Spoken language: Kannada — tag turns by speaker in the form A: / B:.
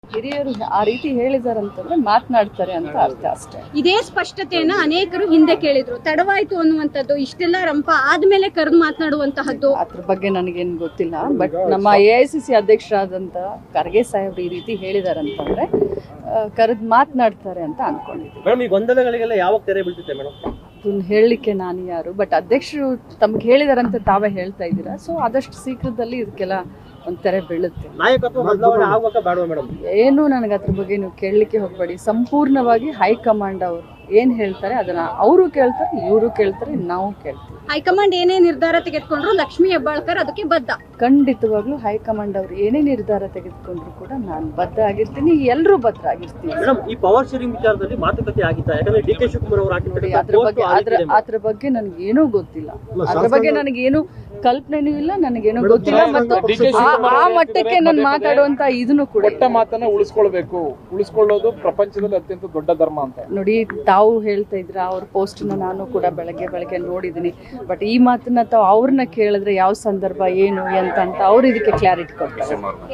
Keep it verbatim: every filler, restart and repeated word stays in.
A: ಹಿರಿಯರು ಆ ರೀತಿ ಹೇಳಿದಾರಂತಂದ್ರೆ ಮಾತನಾಡ್ತಾರೆ ಅಂತ ಅರ್ಥ ಅಷ್ಟೇ.
B: ಇದೇ ಸ್ಪಷ್ಟತೆಯನ್ನ ಅನೇಕರು ಹಿಂದೆ ಕೇಳಿದ್ರು, ತಡವಾಯ್ತು ಅನ್ನುವಂಥದ್ದು, ಇಷ್ಟೆಲ್ಲ ರಂಪ ಆದ್ಮೇಲೆ ಕರೆದು ಮಾತನಾಡುವಂತಹದ್ದು.
A: ಅದ್ರ ಬಗ್ಗೆ ನನಗೇನು ಗೊತ್ತಿಲ್ಲ. ಬಟ್ ನಮ್ಮ ಎ ಐ ಸಿ ಸಿ ಅಧ್ಯಕ್ಷರಾದಂತ ಖರ್ಗೆ ಸಾಹೇಬ್ರು ಈ ರೀತಿ ಹೇಳಿದಾರಂತಂದ್ರೆ ಕರೆದು ಮಾತನಾಡ್ತಾರೆ ಅಂತ ಅನ್ಕೊಂಡಿದ್ದೀನಿ.
C: ಮೇಡಮ್, ಈ ಗೊಂದಲಗಳಿಗೆಲ್ಲ ಯಾವಾಗ ತೆರೆ ಬೀಳ್ತಿದೆ ಮೇಡಮ್?
A: ಅದನ್ನ ಹೇಳಲಿಕ್ಕೆ ನಾನು ಯಾರು? ಬಟ್ ಅಧ್ಯಕ್ಷರು ತಮ್ಗೆ ಹೇಳಿದಾರಂತ ತಾವೇ ಹೇಳ್ತಾ ಇದ್ದೀರಾ. ಸೊ ಆದಷ್ಟು ಶೀಘ್ರದಲ್ಲಿ ಇದಕ್ಕೆಲ್ಲ ಒಂದು ತೆರೆ ಬೀಳುತ್ತೆ.
C: ನಾಯಕತ್ವ ಬದಲಾವಣೆ ಆಗುವಾಗ ಬೇಡವಾ ಮೇಡಮ್?
A: ಏನು ನನಗೆ ಅದ್ರ ಬಗ್ಗೆ ನೀವು ಕೇಳಲಿಕ್ಕೆ ಹೋಗಬೇಡಿ. ಸಂಪೂರ್ಣವಾಗಿ ಹೈಕಮಾಂಡ್ ಅವರು ಏನ್ ಹೇಳ್ತಾರೆ ಅದನ್ನ ಅವರು ಕೇಳ್ತಾರೆ, ಇವರು ಕೇಳ್ತಾರೆ, ನಾವು ಕೇಳ್ತೀವಿ.
B: ಹೈಕಮಾಂಡ್ ಏನೇ ನಿರ್ಧಾರ ತೆಗೆದುಕೊಂಡ್ರು ಲಕ್ಷ್ಮೀ ಹೆಬ್ಬಾಳ್ಕರ್ ಅದಕ್ಕೆ ಬದ್ಧ.
A: ಖಂಡಿತವಾಗ್ಲೂ ಹೈಕಮಾಂಡ್ ಅವರು ಏನೇ ನಿರ್ಧಾರ ತೆಗೆದುಕೊಂಡ್ರು ಕೂಡ ನಾನು ಬದ್ಧ ಆಗಿರ್ತೀನಿ, ಎಲ್ಲರೂ ಬದ್ಧ ಆಗಿರ್ತೀನಿ.
C: ಮೇಡಮ್, ಈ ಪವರ್ ಶೇರಿಂಗ್ ವಿಚಾರದಲ್ಲಿ ಮಾತುಕತೆ ಆಗಿತ್ತಾ? ಯಾಕಂದ್ರೆ ಡಿ ಕೆ ಶಿವಕುಮಾರ್ ಅವರು
A: ಹಾಕಿದ್ದಾರೆ, ಅದ್ರ ಬಗ್ಗೆ ಅದ್ರ ಅದ್ರ ಬಗ್ಗೆ ನನಗೆ ಏನೂ ಗೊತ್ತಿಲ್ಲ. ಅದ್ರ ಬಗ್ಗೆ ನನಗೇನು ಕಲ್ಪನೆನೂ ಇಲ್ಲ, ನನಗೇನು ಗೊತ್ತಿಲ್ಲ. ಮತ್ತು ಆ ಮಟ್ಟಕ್ಕೆ ನಾನು ಮಾತಾಡುವಂತ ಇದನ್ನು ಕೂಡ
D: ಕೊಟ್ಟ ಮಾತನ್ನ ಉಳಿಸ್ಕೊಳ್ಬೇಕು, ಉಳಿಸ್ಕೊಳ್ಳೋದು ಪ್ರಪಂಚದಲ್ಲಿ ಅತ್ಯಂತ ದೊಡ್ಡ ಧರ್ಮ ಅಂತ
A: ನೋಡಿ. ತಾವು ಹೇಳ್ತಾ ಇದ್ರ ಅವ್ರ ಪೋಸ್ಟ್ ನಾನು ಕೂಡ ಬೆಳಗ್ಗೆ ಬೆಳಗ್ಗೆ ನೋಡಿದೀನಿ. ಬಟ್ ಈ ಮಾತನ್ನ ತಾವು ಅವ್ರನ್ನ ಕೇಳಿದ್ರೆ ಯಾವ ಸಂದರ್ಭ ಏನು ಎಂತ ಅಂತ ಅವ್ರು ಇದಕ್ಕೆ ಕ್ಲಾರಿಟಿ ಕೊಡ್ತಾರೆ.